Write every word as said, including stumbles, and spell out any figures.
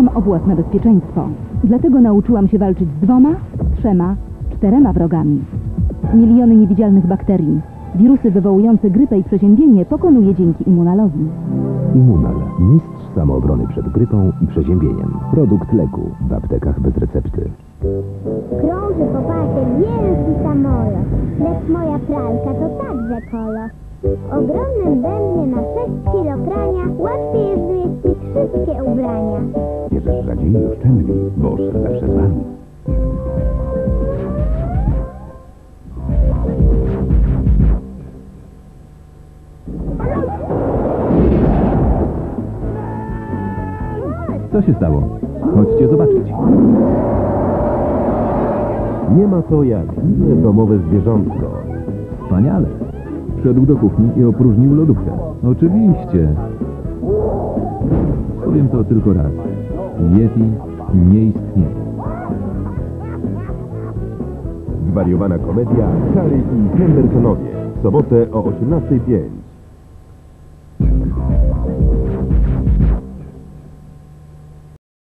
dbam o własne bezpieczeństwo. Dlatego nauczyłam się walczyć z dwoma, trzema, czterema wrogami. Miliony niewidzialnych bakterii. Wirusy wywołujące grypę i przeziębienie pokonuje dzięki Immunalowi. Immunal. Mistrz samoobrony przed grypą i przeziębieniem. Produkt leku w aptekach bez recepty. Krąży po pasie wielki samolot, lecz moja pralka to także kolo. W ogromnym bębnie na sześć kilo prania łatwiej jest zmieścić wszystkie ubrania. Bierzesz rzadziej i oszczędniej, Bosch zawsze z wami. Co się stało? Chodźcie zobaczyć. Nie ma to jak inne domowe zwierzątko. Wspaniale. Wszedł do kuchni i opróżnił lodówkę. Oczywiście. Powiem to tylko raz. Yeti nie istnieje. Zwariowana komedia Harry i Hendersonowie. W sobotę o osiemnastej pięć.